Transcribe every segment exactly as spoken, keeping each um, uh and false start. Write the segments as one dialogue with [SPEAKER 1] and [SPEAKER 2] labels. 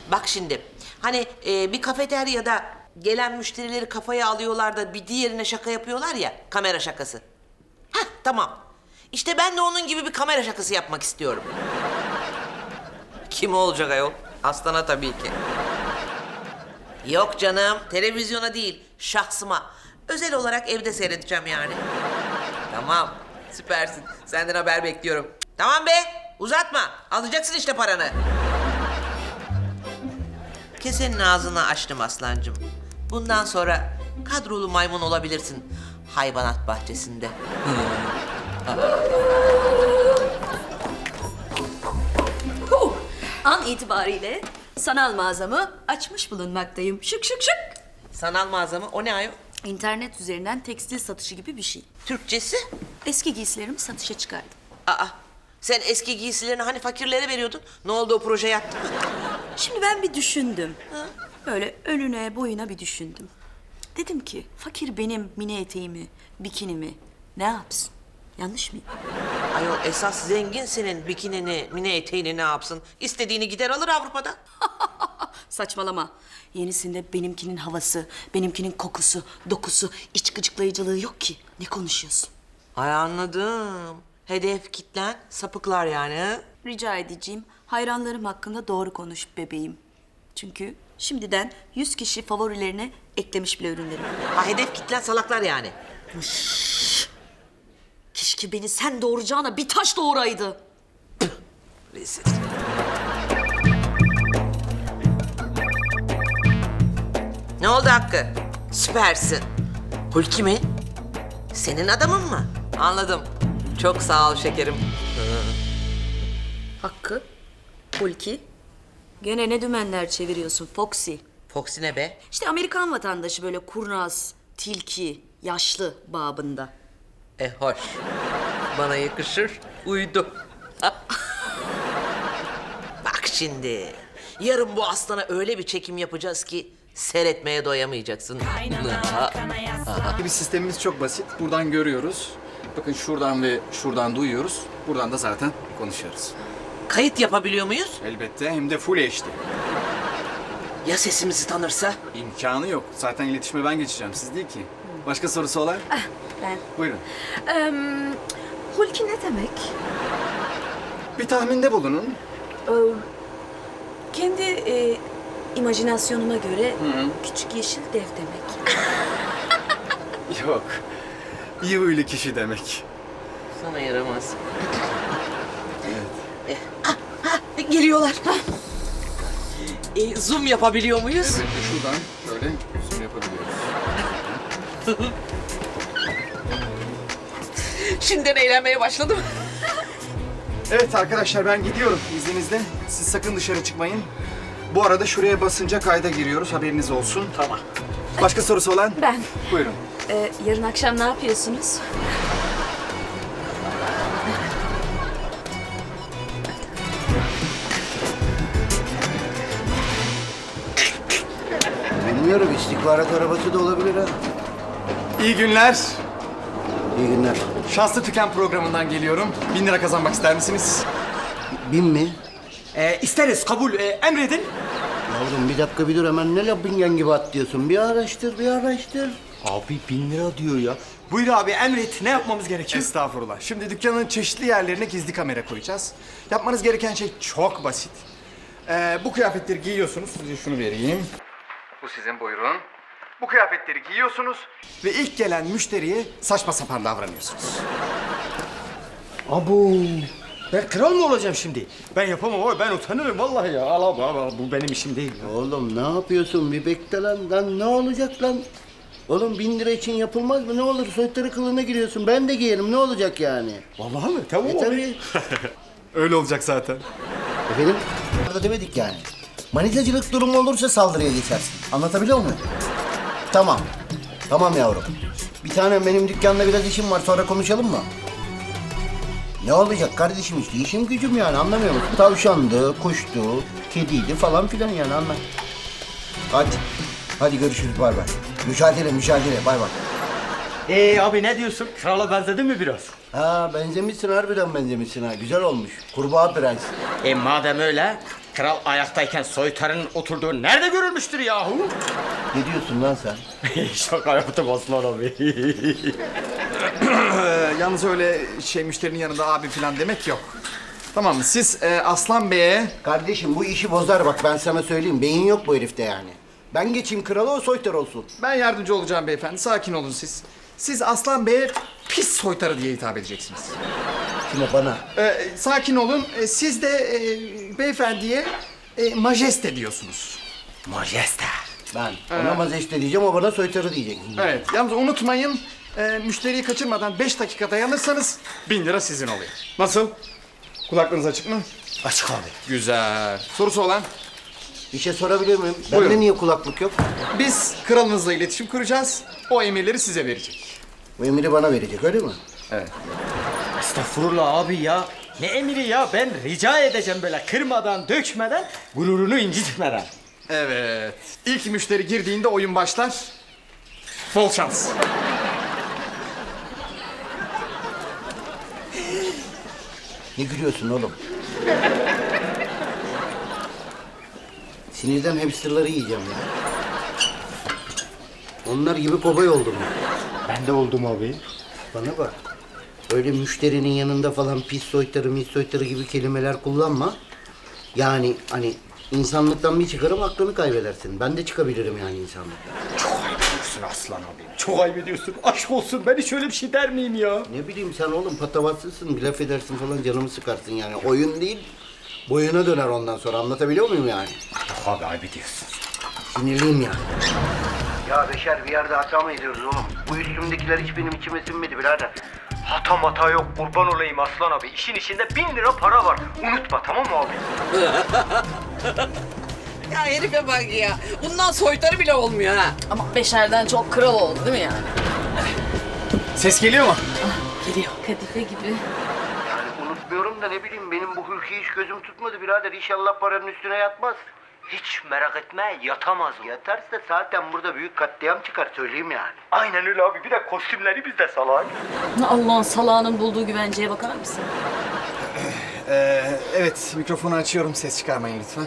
[SPEAKER 1] Bak şimdi, hani e, bir kafeteryada gelen müşterileri kafaya alıyorlar da bir diğerine şaka yapıyorlar ya, kamera şakası. Hah, tamam. İşte ben de onun gibi bir kamera şakası yapmak istiyorum. Kim olacak ayol? Aslan'a tabii ki. Yok canım, televizyona değil, şahsıma. Özel olarak evde seyredeceğim yani. Tamam, süpersin. Senden haber bekliyorum. Tamam be, uzatma. Alacaksın işte paranı. Kesenin ağzını açtım aslancığım. Bundan sonra kadrolu maymun olabilirsin hayvanat bahçesinde.
[SPEAKER 2] Huh! An itibariyle sanal mağazamı açmış bulunmaktayım. Şık şık şık.
[SPEAKER 1] Sanal mağaza mı? O ne ayol?
[SPEAKER 2] İnternet üzerinden tekstil satışı gibi bir şey.
[SPEAKER 1] Türkçesi?
[SPEAKER 2] Eski giysilerimi satışa çıkardım.
[SPEAKER 1] Aa, sen eski giysilerini hani fakirlere veriyordun. Ne oldu, o proje yattı mı?
[SPEAKER 2] Şimdi ben bir düşündüm. Böyle önüne boyuna bir düşündüm. Dedim ki fakir benim mini eteğimi, bikinimi ne yapsın? Yanlış mıyım?
[SPEAKER 1] Ayol, esas zengin senin bikinini, mini eteğini ne yapsın? İstediğini gider alır Avrupa'da.
[SPEAKER 2] Saçmalama. Yenisinde benimkinin havası, benimkinin kokusu, dokusu, iç gıcıklayıcılığı yok ki. Ne konuşuyorsun?
[SPEAKER 1] Ay anladım. Hedef kitlen sapıklar yani. Ha?
[SPEAKER 2] Rica edeceğim, hayranlarım hakkında doğru konuş bebeğim. Çünkü şimdiden yüz kişi favorilerine eklemiş bile ürünlerimi.
[SPEAKER 1] Ha, hedef kitlen salaklar yani.
[SPEAKER 2] Keşke beni sen doğuracağına bir taş doğuraydı.
[SPEAKER 1] Rezil. Ne oldu Hakkı? Süpersin. Hulki mi? Senin adamın mı? Anladım. Çok sağ ol şekerim.
[SPEAKER 2] Hakkı, Hulki. Gene ne dümenler çeviriyorsun Foxy?
[SPEAKER 1] Foxy ne be?
[SPEAKER 2] İşte Amerikan vatandaşı böyle kurnaz, tilki, yaşlı babında.
[SPEAKER 1] E hoş. Bana yakışır. Uydu. Bak şimdi. Yarın bu aslana öyle bir çekim yapacağız ki seyretmeye doyamayacaksın.
[SPEAKER 3] Bir sistemimiz çok basit. Buradan görüyoruz. Bakın şuradan ve şuradan duyuyoruz. Buradan da zaten konuşuyoruz.
[SPEAKER 1] Kayıt yapabiliyor muyuz?
[SPEAKER 3] Elbette, hem de full H D.
[SPEAKER 1] Ya sesimizi tanırsa?
[SPEAKER 3] İmkanı yok. Zaten iletişime ben geçeceğim, siz değil ki. Başka sorusu olan?
[SPEAKER 2] Ben.
[SPEAKER 3] Buyurun.
[SPEAKER 2] Ee, Hulki ne demek?
[SPEAKER 3] Bir tahminde bulunun.
[SPEAKER 2] Ee, kendi e, imajinasyonuma göre küçük yeşil dev demek.
[SPEAKER 3] Yok. İyi huylu kişi demek.
[SPEAKER 1] Sana yaramaz. Eh, ah, ah, geliyorlar. E, zoom yapabiliyor muyuz?
[SPEAKER 3] Evet, şuradan böyle zoom yapabiliyoruz.
[SPEAKER 1] Şimdiden eğlenmeye başladım.
[SPEAKER 3] Evet arkadaşlar, ben gidiyorum izninizle. Siz sakın dışarı çıkmayın. Bu arada şuraya basınca kayda giriyoruz, haberiniz olsun.
[SPEAKER 1] Tamam.
[SPEAKER 3] Başka sorusu olan?
[SPEAKER 2] Ben.
[SPEAKER 3] Buyurun.
[SPEAKER 2] Ee, yarın akşam ne yapıyorsunuz?
[SPEAKER 4] Bilmiyorum, istihbarat arabası da olabilir ha.
[SPEAKER 3] İyi günler.
[SPEAKER 4] İyi günler.
[SPEAKER 3] Şanslı Tüken programından geliyorum. Bin lira kazanmak ister misiniz?
[SPEAKER 4] Bin mi?
[SPEAKER 5] Ee, isteriz, kabul. Ee, emredin.
[SPEAKER 4] Yavrum bir dakika bir dur, hemen ne laf bingen gibi atlıyorsun. Bir araştır, bir araştır.
[SPEAKER 5] Abi bin lira diyor ya. Buyur abi, emret. Ne yapmamız gerekiyor?
[SPEAKER 3] Estağfurullah. Şimdi dükkanın çeşitli yerlerine gizli kamera koyacağız. Yapmanız gereken şey çok basit. Ee, bu kıyafetleri giyiyorsunuz. Size şunu vereyim. Bu sizin, buyurun. Bu kıyafetleri giyiyorsunuz ve ilk gelen müşteriye saçma sapan davranıyorsunuz.
[SPEAKER 5] Abu. Ben kral mı olacağım şimdi? Ben yapamam abi, ben utanırım vallahi ya. Al abi, al, bu benim işim değil ya.
[SPEAKER 4] Oğlum ne yapıyorsun? Bir bekle lan. Lan ne olacak lan? Oğlum bin lira için yapılmaz mı? Ne olur soytarı kılığına giriyorsun. Ben de giyerim. Ne olacak yani?
[SPEAKER 5] Vallahi mi? Tamam
[SPEAKER 4] E
[SPEAKER 5] abi.
[SPEAKER 4] tabii.
[SPEAKER 3] Öyle olacak zaten.
[SPEAKER 4] Efendim? Orada demedik yani. Manitacılık durumu olursa saldırıya geçersin. Anlatabiliyor muyum? Tamam. Tamam yavrum. Bir tane benim dükkanda biraz işim var. Sonra konuşalım mı? Ne olacak kardeşim işte? İşim gücüm yani, anlamıyor musun? Tavşandı, kuştu, kediydi falan filan yani, anla. Hadi. Hadi görüşürüz, bay bay. Mücadele, mücadele, bay bay.
[SPEAKER 5] Ee abi ne diyorsun? Krala benzedin mi biraz?
[SPEAKER 4] Ha benzemişsin, harbiden benzemişsin ha. Güzel olmuş. Kurbağa prens.
[SPEAKER 5] E madem öyle, Kral ayaktayken soytarının oturduğu nerede görülmüştür yahu?
[SPEAKER 4] Ne diyorsun lan sen?
[SPEAKER 5] Şaka yaptım Aslan abi.
[SPEAKER 3] Ee, yalnız öyle şey müşterinin yanında abi falan demek yok. Tamam mı? Siz e, Aslan Bey'e...
[SPEAKER 4] Kardeşim bu işi bozar bak ben sana söyleyeyim. Beyin yok bu herifte yani. Ben geçeyim krala o soytar olsun.
[SPEAKER 3] Ben yardımcı olacağım beyefendi. Sakin olun siz. Siz Aslan Bey'e pis soytarı diye hitap edeceksiniz.
[SPEAKER 4] Kime bana?
[SPEAKER 3] Ee, sakin olun. Ee, siz de e, beyefendiye e, majeste diyorsunuz.
[SPEAKER 5] Majeste.
[SPEAKER 4] Ben. Ona mazeste diyeceğim o bana soytarı diyecek.
[SPEAKER 3] Evet. Yalnız unutmayın, e, müşteriyi kaçırmadan beş dakika dayanırsanız bin lira sizin oluyor. Nasıl? Kulaklarınız açık mı?
[SPEAKER 5] Açık abi.
[SPEAKER 3] Güzel. Sorusu olan?
[SPEAKER 4] Bir şey sorabilir miyim?
[SPEAKER 3] Buyurun.
[SPEAKER 4] Bende niye kulaklık yok?
[SPEAKER 3] Biz kralınızla iletişim kuracağız. O emirleri size verecek.
[SPEAKER 4] Bu emiri bana verecek öyle mi?
[SPEAKER 3] Evet.
[SPEAKER 5] Estağfurullah abi ya. Ne emiri ya? Ben rica edeceğim böyle kırmadan, dökmeden, gururunu incitmeden.
[SPEAKER 3] Evet. İlk müşteri girdiğinde oyun başlar. Bol şans.
[SPEAKER 4] Ne gülüyorsun oğlum? Sinirden hamsterları yiyeceğim ya. Onlar gibi kobay oldum ya.
[SPEAKER 5] Ben de oldum abi.
[SPEAKER 4] Bana bak. Öyle müşterinin yanında falan pis soytarı, mis soytarı gibi kelimeler kullanma. Yani hani insanlıktan bir çıkarım aklını kaybedersin. Ben de çıkabilirim yani insanlıktan.
[SPEAKER 5] Çok ayıp ediyorsun Aslan abi. Çok ayıp ediyorsun. Aşk olsun ben hiç öyle bir şey der miyim ya?
[SPEAKER 4] Ne bileyim sen oğlum patavatsızsın, bir laf edersin falan canımı sıkarsın yani. Oyun değil, boyuna döner ondan sonra anlatabiliyor muyum yani?
[SPEAKER 5] Yok abi ayıp ediyorsun.
[SPEAKER 4] Sinirliyim yani. Ya Beşer bir yerde hata mı ediyoruz oğlum? Bu üstümdekiler hiç benim içime sinmedi birader.
[SPEAKER 5] Hata mata yok kurban olayım Aslan abi. İşin içinde bin lira para var. Unutma tamam mı abi?
[SPEAKER 1] Ya herife bak ya. Bundan soytarı bile olmuyor ha.
[SPEAKER 2] Ama Beşer'den çok kral oldu değil mi yani?
[SPEAKER 3] Ses geliyor mu?
[SPEAKER 2] Geliyor. Kadife gibi.
[SPEAKER 4] Yani unutmuyorum da ne bileyim benim bu hülkiyi hiç gözüm tutmadı birader. İnşallah paranın üstüne yatmaz.
[SPEAKER 5] Hiç merak etme yatamaz o.
[SPEAKER 4] Yatarsa zaten burada büyük katliam çıkar söyleyeyim yani.
[SPEAKER 5] Aynen öyle abi. Bir de kostümleri bizde salak.
[SPEAKER 2] Allah'ın salağının bulduğu güvenceye bakar mısın?
[SPEAKER 3] Ee, evet, mikrofonu açıyorum. Ses çıkarmayın lütfen.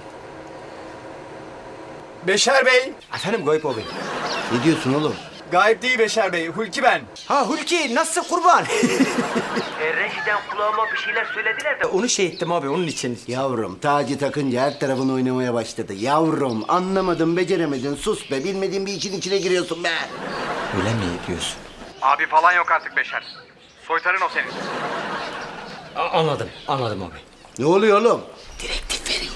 [SPEAKER 3] Beşer Bey.
[SPEAKER 5] Efendim Gayip abi.
[SPEAKER 4] Ne diyorsun oğlum?
[SPEAKER 3] Gayip değil Beşer Bey. Hulki ben.
[SPEAKER 5] Ha Hulki nasılsın kurban? e, rejiden kulağıma bir şeyler söylediler de onu şey ettim abi onun için.
[SPEAKER 4] Yavrum tacı takınca her tarafın oynamaya başladı. Yavrum anlamadın beceremedin sus be. Bilmediğin bir için içine giriyorsun be.
[SPEAKER 5] Öyle mi diyorsun?
[SPEAKER 3] Abi falan yok artık Beşer. Soytarın o senin.
[SPEAKER 5] A- anladım anladım abi.
[SPEAKER 4] Ne oluyor oğlum?
[SPEAKER 5] Direktif veriyor.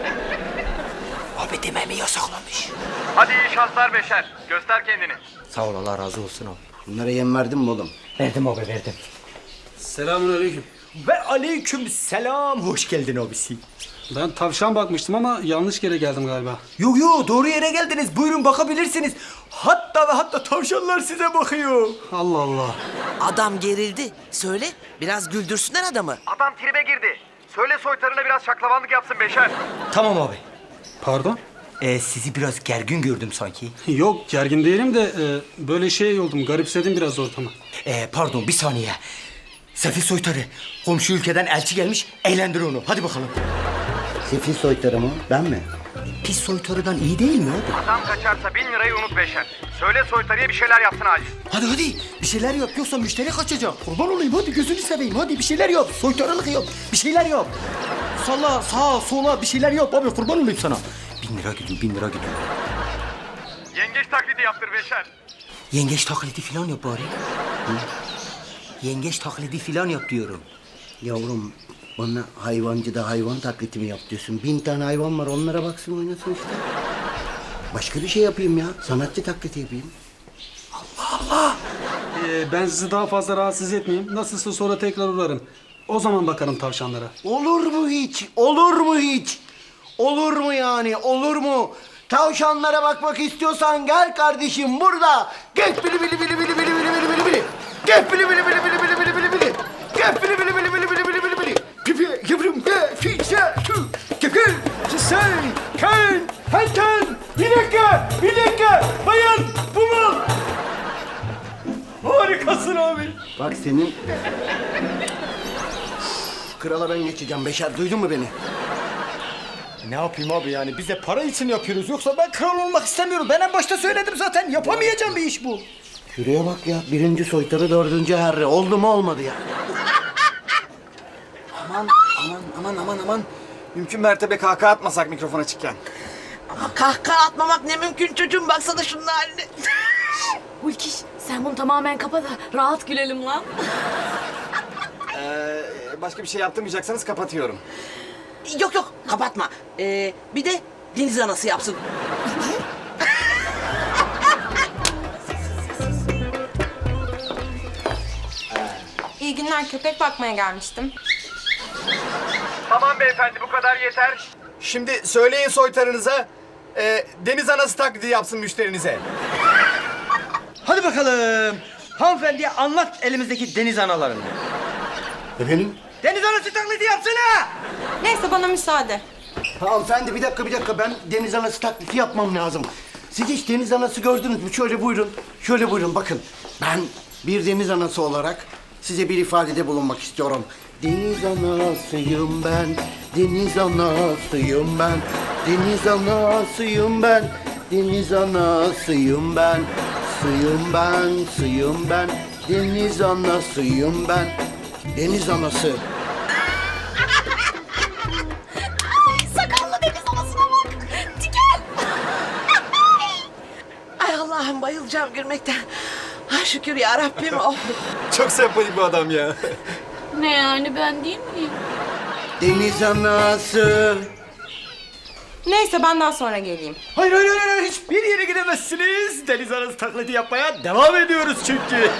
[SPEAKER 5] Abi dememi yasaklamış.
[SPEAKER 3] Hadi iyi şanslar Beşer. Göster kendini.
[SPEAKER 5] Sağ ol Allah razı olsun abi.
[SPEAKER 4] Bunlara yem verdin mi oğlum?
[SPEAKER 5] Verdim abi verdim.
[SPEAKER 6] Selamünaleyküm.
[SPEAKER 5] Ve aleyküm selam. Hoş geldin abisi.
[SPEAKER 6] Ben tavşan bakmıştım ama yanlış yere geldim galiba.
[SPEAKER 5] Yo yo doğru yere geldiniz. Buyurun bakabilirsiniz. Hatta ve hatta tavşanlar size bakıyor.
[SPEAKER 6] Allah Allah.
[SPEAKER 1] Adam gerildi. Söyle, biraz güldürsünler adamı.
[SPEAKER 3] Adam tribe girdi. Söyle soytarına biraz şaklabanlık yapsın Beşer.
[SPEAKER 5] Tamam abi.
[SPEAKER 6] Pardon?
[SPEAKER 5] Ee, sizi biraz gergin gördüm sanki.
[SPEAKER 6] Yok gergin değilim de e, böyle şey oldum. Garipsedim biraz ortamı.
[SPEAKER 5] Ee, pardon bir saniye. Sefil soytarı. Komşu ülkeden elçi gelmiş. Eğlendir onu. Hadi bakalım.
[SPEAKER 4] Sefil soytarı mı? Ben mi?
[SPEAKER 5] Pis soytarıdan iyi değil mi abi?
[SPEAKER 3] Adam kaçarsa bin lirayı unut Beşer. Söyle soytarıya bir şeyler yapsın acil.
[SPEAKER 5] Hadi hadi. Bir şeyler yap yoksa müşteri kaçacak. Kurban olayım hadi gözünü seveyim. Hadi bir şeyler yap. Soytarılık yap. Bir şeyler yap. Salla sağa sola bir şeyler yap abi kurban olayım sana. Bin lira gidiyor bin lira gidiyor.
[SPEAKER 3] Yengeç taklidi yaptır Beşer.
[SPEAKER 5] Yengeç taklidi falan yap bari. Hı? Yengeç taklidi falan yap diyorum.
[SPEAKER 4] Yavrum bana hayvancıda hayvan taklidi mi yap diyorsun? Bin tane hayvan var onlara baksın oynasın işte. Başka bir şey yapayım ya. Sanatçı taklidi yapayım.
[SPEAKER 6] Ee, ben sizi daha fazla rahatsız etmeyeyim. Nasılsa sonra tekrar uğrarım. O zaman bakarım tavşanlara.
[SPEAKER 4] Olur mu hiç? Olur mu hiç? Olur mu yani? Olur mu? Tavşanlara bakmak istiyorsan gel kardeşim burada. Gel bili bili bili bili bili bili bili bili bili. Gel bili bili bili bili bili bili bili bili. Gel bili bili bili bili bili bili bili bili. Pipi yavrum be fişe şu. Gel gel. Sen kan hantan. Bir dakika bir dakika. Bayan bu mu?
[SPEAKER 5] Harikasın abi.
[SPEAKER 4] Bak senin... Krala ben geçeceğim Beşer duydun mu beni?
[SPEAKER 5] Ne yapayım abi yani biz de para için yapıyoruz. Yoksa ben kral olmak istemiyorum. Ben en başta söyledim zaten. Yapamayacağım bir iş bu.
[SPEAKER 4] Şuraya bak ya. Birinci soytarı, dördüncü herre. Oldu mu olmadı ya.
[SPEAKER 5] Aman aman aman aman aman. Mümkün mertebe kahkaha atmasak mikrofon açıkken.
[SPEAKER 1] Ama kahkaha atmamak ne mümkün çocuğum, baksana şunun haline.
[SPEAKER 2] Ulkiş sen bunu tamamen kapa da rahat gülelim lan.
[SPEAKER 5] Ee, başka bir şey yaptırmayacaksanız kapatıyorum.
[SPEAKER 1] Yok yok, kapatma. Ee, bir de deniz anası yapsın.
[SPEAKER 7] İyi günler, köpek bakmaya gelmiştim.
[SPEAKER 3] Tamam beyefendi, bu kadar yeter. Şimdi söyleyin soytarınıza, e, deniz anası taklidi yapsın müşterinize.
[SPEAKER 5] Hadi bakalım. Hanımefendiye anlat elimizdeki deniz analarını.
[SPEAKER 4] Efendim?
[SPEAKER 5] Deniz anası taklidi yapsana.
[SPEAKER 7] Neyse bana müsaade.
[SPEAKER 4] Hanımefendi bir dakika bir dakika. Ben deniz anası taklidi yapmam lazım. Siz hiç deniz anası gördünüz mü? Şöyle buyurun. Şöyle buyurun bakın. Ben bir deniz anası olarak size bir ifadede bulunmak istiyorum. Deniz anasıyım ben, deniz anasıyım ben, deniz anasıyım ben, deniz anasıyım ben, suyum ben, suyum ben, deniz anasıyım ben, deniz anası.
[SPEAKER 2] Sakallı deniz anasına bak. Diken.
[SPEAKER 1] Ay Allah'ım, bayılacağım gülmekten. Ah şükür ya Rabbim. Oh.
[SPEAKER 3] Çok sempatik bu adam ya.
[SPEAKER 2] Ne yani, ben değil miyim?
[SPEAKER 4] Deniz anası.
[SPEAKER 7] Neyse ben daha sonra geleyim.
[SPEAKER 5] Hayır hayır hayır hayır. Hiçbir yere gidemezsiniz. Deniz anası taklidi yapmaya devam ediyoruz çünkü.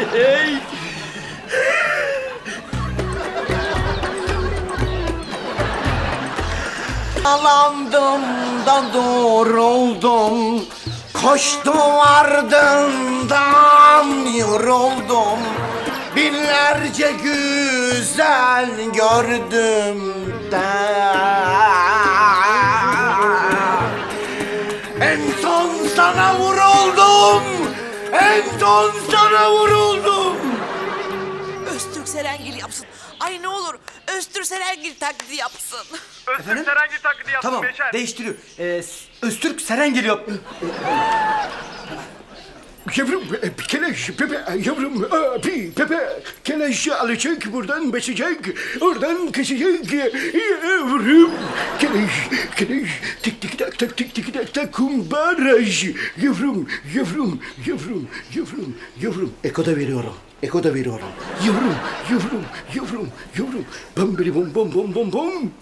[SPEAKER 4] Alandım da doğruldum, koştum ardından yoruldum. Binlerce güzel gördüm de en son sana vuruldum, en son sana vuruldum.
[SPEAKER 1] Öztürk Serengil yapsın. Ay ne olur Öztürk Serengil taklidi yapsın.
[SPEAKER 5] Efendim?
[SPEAKER 3] Serengil taklidi yapsın
[SPEAKER 5] Tamam
[SPEAKER 3] Beşer.
[SPEAKER 5] değiştiriyor. Ee, Öztürk Seren geliyor.
[SPEAKER 8] Yavrum, e, keleş, Pepe, yavrum, abi, Pepe, keleşi alacak, buradan basacak, oradan kesecek, yavrum, keleş, keleş, tik tik tak tak tik tik tak tak kumbaraj, yavrum, yavrum, yavrum, yavrum, yavrum,
[SPEAKER 4] Eko da veriyorum, eko da veriyorum.
[SPEAKER 8] yavrum, yavrum, yavrum, yavrum, bam biri bom bom bom bom bom.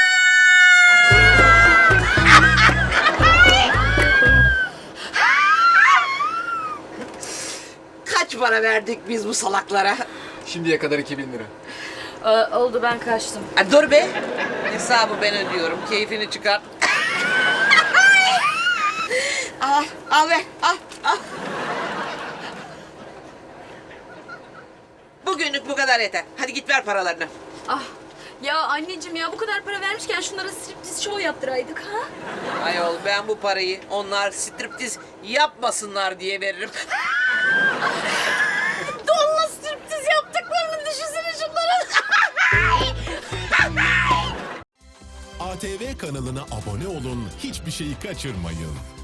[SPEAKER 1] Kaç para verdik biz bu salaklara?
[SPEAKER 3] Şimdiye kadar iki bin lira.
[SPEAKER 2] Ee, oldu, ben kaçtım.
[SPEAKER 1] Ha, dur be. Hesabı ben ödüyorum. Keyfini çıkar. al, al be, al, al. Bugünlük bu kadar yeter. Hadi git ver paralarını.
[SPEAKER 2] Ah ya anneciğim ya, bu kadar para vermişken şunlara striptiz show yaptıraydık ha?
[SPEAKER 1] Ayol, ben bu parayı onlar striptiz yapmasınlar diye veririm.
[SPEAKER 2] Donla striptiz yaptıklarını düşünsene şunların.
[SPEAKER 9] A T V kanalına abone olun, hiçbir şeyi kaçırmayın.